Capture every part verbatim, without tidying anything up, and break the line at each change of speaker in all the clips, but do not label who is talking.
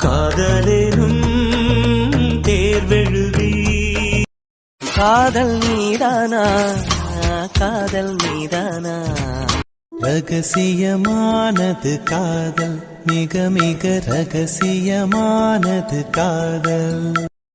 காதலேனும் தேர்வெழுதி காதல் மீதானா காதல் மீதானா ரகசியமானது காதல் மிக மிக ரகசியமானது காதல்.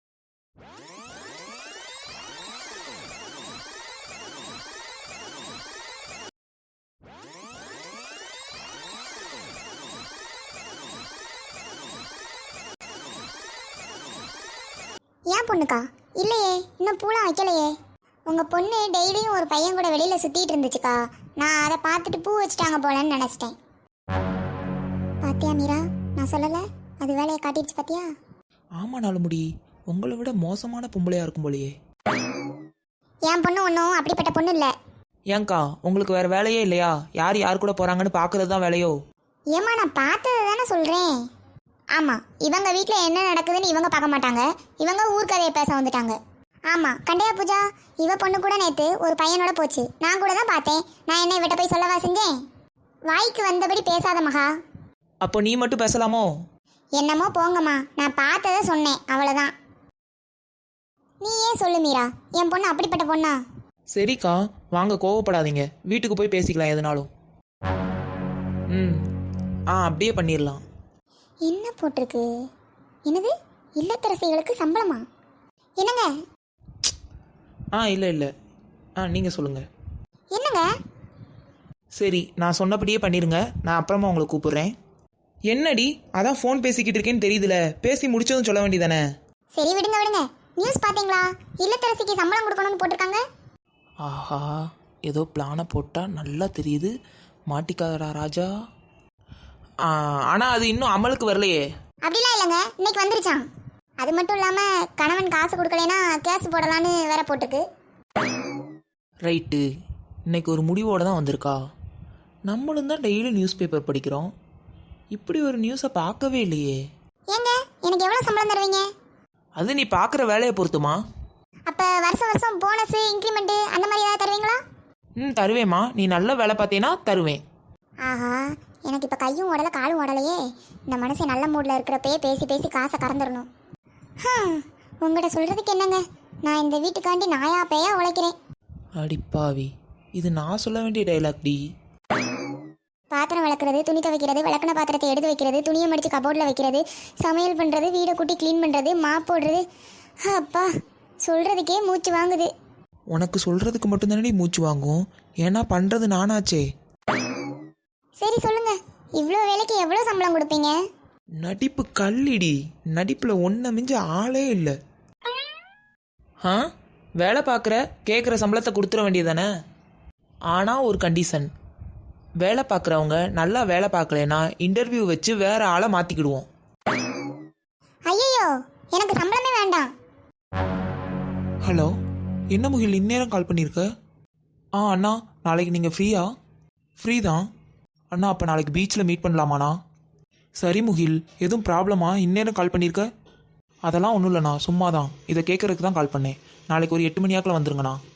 ஏன் பொண்ணுக்கா? இல்லையே, இன்னும் பூலாம் வைக்கலையே. உங்கள் பொண்ணு டெய்லியும் ஒரு பையன் கூட வெளியில் சுற்றிட்டு இருந்துச்சுக்கா. நான் அதை பார்த்துட்டு பூ வச்சுட்டாங்க போலன்னு நினச்சிட்டேன். பாத்தியா மீரா, நான் சொல்லலை, அது வேலையை காட்டிடுச்சு பாத்தியா?
ஆமாம் நாலுமுடி, உங்களை விட மோசமான பொம்பளையாக இருக்கும் போலையே.
என் பொண்ணு ஒன்றும் அப்படிப்பட்ட பொண்ணு இல்லை.
ஏங்க்கா, உங்களுக்கு வேறு வேலையே இல்லையா? யார் யார் கூட போகிறாங்கன்னு பார்க்குறது தான் வேலையோ?
ஏம்மா, நான் பார்த்தது தானே சொல்கிறேன். ஆமாம், இவங்க வீட்டில் என்ன நடக்குதுன்னு இவங்க பார்க்க மாட்டாங்க, இவங்க ஊர்க்கதையை பேச வந்துட்டாங்க. ஆமாம், கண்டையா பூஜா, இவ பொண்ணு கூட நேற்று ஒரு பையனோட போச்சு. நான் கூட தான் பார்த்தேன். நான் என்ன இவட்ட போய் சொல்லவா செஞ்சேன்? வாய்க்கு வந்தபடி பேசாத மகா.
அப்போ நீ மட்டும் பேசலாமோ?
என்னமோ போங்கம்மா, நான் பார்த்ததை சொன்னேன், அவ்வளோதான். நீ ஏன் சொல்லு மீரா, என் பொண்ணு அப்படிப்பட்ட பொண்ணா?
சரிக்கா, வாங்க, கோவப்படாதீங்க, வீட்டுக்கு போய் பேசிக்கலாம் எதுனாலும். ம் ஆ அப்படியே பண்ணிடலாம்.
என்ன போட்டிருக்கு? என்னது, இல்லத்தரசிகளுக்கு சம்பளமா? என்னங்க?
ஆ இல்லை இல்லை ஆ நீங்கள் சொல்லுங்கள்.
என்னங்க?
சரி, நான் சொன்னபடியே பண்ணிடுங்க, நான் அப்புறமா உங்களை கூப்பிடுறேன். என்னடி, அதான் ஃபோன் பேசிக்கிட்டு இருக்கேன்னு தெரியுதுல, பேசி முடிச்சதும் சொல்ல வேண்டியதானே?
சரி விடுங்க விடுங்க. நியூஸ் பார்த்தீங்களா? இல்லத்தரசிக்கு சம்பளம் கொடுக்கணும்னு போட்டிருக்காங்க.
ஆஹா, ஏதோ பிளானை போட்டால் நல்லா தெரியுது. மாட்டிக்காதடா ராஜா. ஆனால் அது இன்னும் அமலுக்கு வரலையே.
அப்படிலாம் இல்லைங்க, இன்னைக்கு வந்துருச்சான். அது மட்டும் இல்லாமல் கணவன் காசு கொடுக்கலைன்னா கேஸ் போடலான்னு வேற போட்டுருக்கு.
ரைட்டு, இன்னைக்கு ஒரு முடிவோடு தான் வந்திருக்கா. நம்மளும் தான் டெய்லி நியூஸ் பேப்பர் படிக்கிறோம், இப்படி ஒரு நியூஸை பார்க்கவே இல்லையே.
ஏங்க, எனக்கு எவ்வளோ சம்பளம் தருவீங்க?
அது நீ பார்க்குற வேலையை பொறுத்துமா.
அப்போ வருஷம் வருஷம் போனஸ் இன்க்ரிமெண்ட்டு அந்த மாதிரி ஏதாவது தருவீங்களா?
ம் தருவேம்மா, நீ நல்ல வேலை பார்த்தேன்னா தருவேன்.
ஆஹா, எனக்கு இப்போ கையும் ஓடலை காலும் ஓடலையே. இந்த மனுஷன் நல்ல மூடில் இருக்கிறப்பயே பேசி பேசி காசை கறந்துடணும். உங்கள்கிட்ட சொல்கிறதுக்கு என்னங்க, நான் இந்த வீட்டுக்காண்டி நாயா பேயா உழைக்கிறேன்.
அடிப்பாவி, இது நான் சொல்ல வேண்டிய டைலாக் டி.
பாத்திரம் விளக்குறது, துணி துவைக்கிறது, விளக்குன பாத்திரத்தை எடுத்து வைக்கிறது, துணியை மடித்து கபோர்டில் வைக்கிறது, சமையல் பண்ணுறது, வீடை கூட்டி க்ளீன் பண்ணுறது, மாப் போடுறது. அப்பா, சொல்கிறதுக்கே மூச்சு வாங்குது.
உனக்கு சொல்கிறதுக்கு மட்டும்தானே மூச்சு வாங்கும், ஏன்னா பண்ணுறது நானாச்சே.
சரி சொல்லுங்க, இவ்வளோ வேலைக்கு எவ்வளோ சம்பளம் கொடுப்பீங்க?
நடிப்பு கல்லிடி, நடிப்பில் ஒன்றை மிஞ்ச ஆளே இல்லை. ஆ வேலை பார்க்குற, கேட்குற சம்பளத்தை கொடுத்துட வேண்டியதானே. ஆனால் ஒரு கண்டிஷன், வேலை பார்க்குறவங்க நல்லா வேலை பார்க்கலனா இன்டர்வியூ வச்சு வேற ஆளை மாற்றிக்கிடுவோம்.
ஐயோ, எனக்கு சம்பளமே வேண்டாம்.
ஹலோ, என்ன முகில் இந்நேரம் கால் பண்ணியிருக்க? ஆ அண்ணா, நாளைக்கு நீங்கள் ஃப்ரீயா? ஃப்ரீ தான் அண்ணா. அப்போ நாளைக்கு பீச்சில் மீட் பண்ணலாமாண்ணா? சரி முகில், எதுவும் ப்ராப்ளமா இந்நேரம் கால் பண்ணியிருக்க? அதெல்லாம் ஒன்றும் இல்லைண்ணா, சும்மா தான், இதை கேட்குறதுக்கு தான் கால் பண்ணேன். நாளைக்கு ஒரு எட்டு மணியாக்கில் வந்துருங்கண்ணா.